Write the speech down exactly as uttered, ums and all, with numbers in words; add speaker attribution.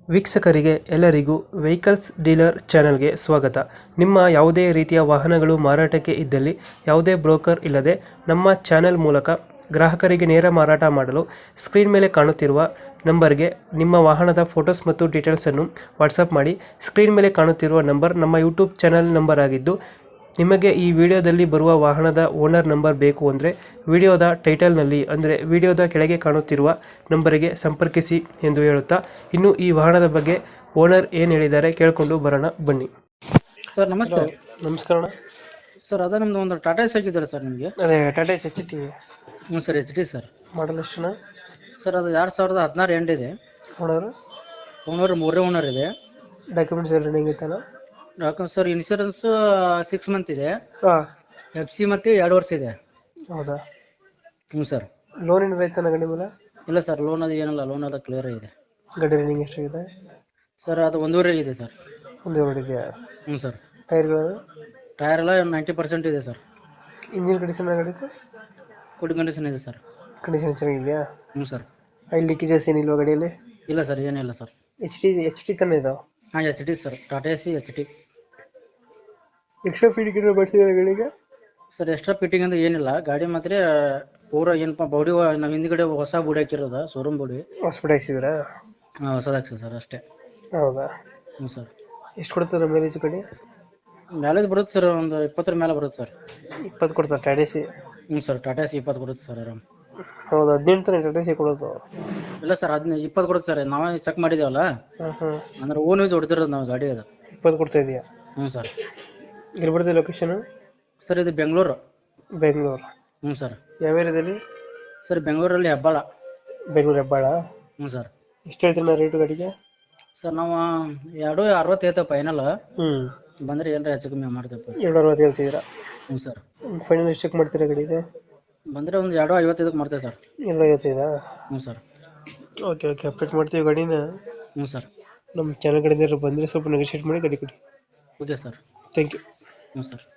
Speaker 1: ವೀಕ್ಷಕರಿಗೆ ಎಲ್ಲರಿಗೂ vehicles dealer ಚಾನೆಲ್ಗೆ ಸ್ವಾಗತ. ನಿಮ್ಮ ಯಾವುದೇ ರೀತಿಯ ವಾಹನಗಳು ಮಾರಾಟಕ್ಕೆ ಇದ್ದಲ್ಲಿ ಯಾವುದೇ ಬ್ರೋಕರ್ ಇಲ್ಲದೆ ನಮ್ಮ ಚಾನೆಲ್ ಮೂಲಕ ಗ್ರಾಹಕರಿಗೆ ನೇರ ಮಾರಾಟ ಮಾಡಲು ಸ್ಕ್ರೀನ್ ಮೇಲೆ ಕಾಣುತ್ತಿರುವ ನಂಬರ್ಗೆ ನಿಮ್ಮ ವಾಹನದ ಫೋಟೋಸ್ ಮತ್ತು ಡೀಟೇಲ್ಸನ್ನು ವಾಟ್ಸಪ್ ಮಾಡಿ. ಸ್ಕ್ರೀನ್ ಮೇಲೆ ಕಾಣುತ್ತಿರುವ ನಂಬರ್ ನಮ್ಮ ಯೂಟ್ಯೂಬ್ ಚಾನೆಲ್ ನಂಬರ್ ಆಗಿದ್ದು, ನಿಮಗೆ ಈ ವಿಡಿಯೋದಲ್ಲಿ ಬರುವ ವಾಹನದ ಓನರ್ ನಂಬರ್ ಬೇಕು ಅಂದರೆ ವಿಡಿಯೋದ ಟೈಟಲ್ನಲ್ಲಿ ಅಂದರೆ ವಿಡಿಯೋದ ಕೆಳಗೆ ಕಾಣುತ್ತಿರುವ ನಂಬರಿಗೆ ಸಂಪರ್ಕಿಸಿ ಎಂದು ಹೇಳುತ್ತಾ, ಇನ್ನು ಈ ವಾಹನದ ಬಗ್ಗೆ ಓನರ್ ಏನು ಹೇಳಿದ್ದಾರೆ ಕೇಳಿಕೊಂಡು ಬರೋಣ ಬನ್ನಿ.
Speaker 2: ಸರ್ ನಮಸ್ತೆ.
Speaker 1: ನಮಸ್ಕಾರ.
Speaker 2: ಸರ್ ಅದೇ ನಮ್ದು ಒಂದು ಟಾಟಾ ಎಸ್ ಹಾಕಿದ್ದಾರೆ ಸರ್ ನಿಮಗೆ.
Speaker 1: ಅದೇ ಟಾಟಾ ಎಸ್ ಎಚ್ ಟಿ.
Speaker 2: ಹ್ಞೂ sir, H D sir.
Speaker 1: Model ಎಷ್ಟು
Speaker 2: ಸರ್ ಅದು ಎರಡು ಸಾವಿರದ ಹದಿನಾರು ಎಂಡ್ ಇದೆ.
Speaker 1: ಓನರ್
Speaker 2: ಓನರ್ ಮೂರೇ ಓನರ್ ಇದೆ.
Speaker 1: ಡಾಕ್ಯುಮೆಂಟ್ಸ್ ಎಲ್ಲ ರನ್ನಿಂಗ್ ಐತಲ್ಲ?
Speaker 2: Document sir insurance six month ಇದೆ.
Speaker 1: ಹಾಂ.
Speaker 2: ಎಫ್ ಸಿ ಮತ್ತೆ ಎರಡು ವರ್ಷ ಇದೆ.
Speaker 1: ಹೌದಾ?
Speaker 2: ಹ್ಞೂ ಸರ್.
Speaker 1: ಲೋನ್ ಏನಾರ ಐತನ ಗಾಡಿ ಮೇಲೆ?
Speaker 2: ಇಲ್ಲ ಸರ್, ಲೋನ್ ಅದು ಏನಿಲ್ಲ, ಲೋನ್ ಅದು ಕ್ಲಿಯರ್ ಇದೆ.
Speaker 1: ಗಾಡಿ ರನ್ನಿಂಗ್ ಎಷ್ಟಾಗಿದೆ?
Speaker 2: ಸರ್ ಅದು ಒಂದೂವರೆ ಇದೆ ಸರ್.
Speaker 1: ಒಂದು ಎರಡು ಇದೆಯಾ?
Speaker 2: ಹ್ಞೂ ಸರ್.
Speaker 1: ಟೈರ್ಗಳು?
Speaker 2: ಟೈರ್ ಎಲ್ಲ ನೈಂಟಿ ಪರ್ಸೆಂಟ್ ಇದೆ ಸರ್.
Speaker 1: ಇಂಜಿನ್ ಕಂಡೀಷನ್ ಗಾಡಿದು?
Speaker 2: ಗುಡ್ ಕಂಡೀಷನ್ ಇದೆ ಸರ್.
Speaker 1: ಕಂಡೀಷನ್ ಚೆನ್ನಾಗಿದೆಯಾ?
Speaker 2: ಹ್ಞೂ ಸರ್.
Speaker 1: ಆಯಿಲ್ ಲೀಕೇಜಸ್ ಏನಿಲ್ವಾ ಗಾಡಿಯಲ್ಲಿ?
Speaker 2: ಇಲ್ಲ ಸರ್, ಏನಿಲ್ಲ sir.
Speaker 1: H T H T ತಾನೇ ಇದಾವೆ?
Speaker 2: ಹಾಂ, H D sir. Tata Ace H D.
Speaker 1: Extra feeding ಏನಾರು ಮಾಡ್ತಿದ್ದಾರೆ ಗಾಡಿಗೆ?
Speaker 2: ಸರ್ ಎಕ್ಸ್ಟ್ರಾ ಫಿಟ್ಟಿಂಗ್ ಅಂದ್ರೆ ಏನಿಲ್ಲ, ಗಾಡಿ ಮಾತ್ರ ಪೂರ ಏನಪ್ಪ ಬಾಡಿ ನಾವು ಹಿಂದ್ಗಡೆ ಹೊಸ ಬೋಡಿ ಹಾಕಿರೋದ, ಶೋರೂಮ್ ಬೋಡಿ
Speaker 1: ಹಾಸ್ಪಿಟಲ್ ಹಾಕ್ಸಿದ್ರಾ?
Speaker 2: ಹಾಂ, ಹೊಸದು ಹಾಕ್ಸಿ ಸರ್ ಅಷ್ಟೇ.
Speaker 1: ಹೌದಾ?
Speaker 2: ಹ್ಞೂ ಸರ್.
Speaker 1: ಎಷ್ಟು ಕೊಡ್ತಾರೆ ಮೈಲೇಜ್ ಗಾಡಿ?
Speaker 2: ಮ್ಯಾಲೇಜ್ ಬರುತ್ತೆ ಸರ್, ಒಂದು ಇಪ್ಪತ್ತರ ಮೇಲೆ ಬರುತ್ತೆ ಸರ್.
Speaker 1: ಇಪ್ಪತ್ತು ಕೊಡ್ತಾರೆ ಟಾಟಾ ಸಿ?
Speaker 2: ಹ್ಞೂ ಸರ್, ಟಾಟಾ ಸಿ ಇಪ್ಪತ್ತು ಕೊಡುತ್ತೆ ಸರ್ ಆರಾಮ್.
Speaker 1: ಹೌದಾ? ಹದಿನೆಂಟು ತಾನೆ ಟಾಟಾ ಸಿ ಕೊಡೋದು?
Speaker 2: ಇಲ್ಲ ಸರ್, ಹದಿನೈದು ಇಪ್ಪತ್ತು ಕೊಡುತ್ತೆ ಸರ್. ನಾವೇ ಚೆಕ್ ಮಾಡಿದೇವಲ್ಲ,
Speaker 1: ಹಾಂ ಹಾಂ.
Speaker 2: ಅಂದ್ರೆ ಓನ್ ಯೂಸ್ ಹೊಡ್ತಿರೋದು ನಾವು ಗಾಡಿ ಅದು.
Speaker 1: ಇಪ್ಪತ್ತು ಕೊಡ್ತಾ ಇದೆಯಾ?
Speaker 2: ಹ್ಞೂ ಸರ್.
Speaker 1: ಎಲ್ಲಿ ಬರ್ತದೆ ಲೊಕೇಶನ್?
Speaker 2: ಸರ್ ಇದು ಬೆಂಗಳೂರು.
Speaker 1: ಬೆಂಗಳೂರು?
Speaker 2: ಹ್ಞೂ ಸರ್.
Speaker 1: ಯಾವ ಏರಿಯಾದಲ್ಲಿ?
Speaker 2: ಸರ್ ಬೆಂಗಳೂರಲ್ಲಿ ಹೆಬ್ಬಾಳ.
Speaker 1: ಬೆಂಗಳೂರು ಹೆಬ್ಬಾಳ?
Speaker 2: ಹ್ಞೂ ಸರ್. ಎಷ್ಟು
Speaker 1: ಹೇಳ್ತೀರಿ ನಾ ರೇಟು ಗಾಡಿಗೆ?
Speaker 2: ಸರ್ ನಾವು ಎರಡು ಅರವತ್ತು ಐತೆ ಫೈನಲ್.
Speaker 1: ಹ್ಞೂ.
Speaker 2: ಬಂದರೆ ಏನಾರ ಹೆಚ್ಚು ಕಮ್ಮಿ ಮಾಡ್ತೇವೆ.
Speaker 1: ಎರಡು ಅರವತ್ತು ಹೇಳ್ತಿದ್ದೀರಾ?
Speaker 2: ಹ್ಞೂ ಸರ್.
Speaker 1: ಫೈನಲ್ ಎಷ್ಟು ಚೆಕ್ ಮಾಡ್ತೀರಾ ಗಾಡಿಗೆ?
Speaker 2: ಬಂದರೆ ಒಂದು ಎರಡು ಐವತ್ತೈದಕ್ಕೆ ಮಾಡ್ತೇವೆ ಸರ್.
Speaker 1: ಎರಡು ಐವತ್ತೈದಾ?
Speaker 2: ಹ್ಞೂ ಸರ್.
Speaker 1: ಓಕೆ ಓಕೆ, ಅಪ್ಡೇಟ್ ಮಾಡ್ತೀವಿ ಗಾಡಿನ.
Speaker 2: ಹ್ಞೂ ಸರ್.
Speaker 1: ನಮ್ಮ ಚಾನಲ್ ಕಡೆಯಿಂದ ಬಂದರೆ ಸ್ವಲ್ಪ ನೆಗೋಷಿಯೇಟ್ ಮಾಡಿ ಗಾಡಿ ಕೊಡಿ.
Speaker 2: Okay sir.
Speaker 1: Thank you.
Speaker 2: ಹ್ಞೂ ಸರ್.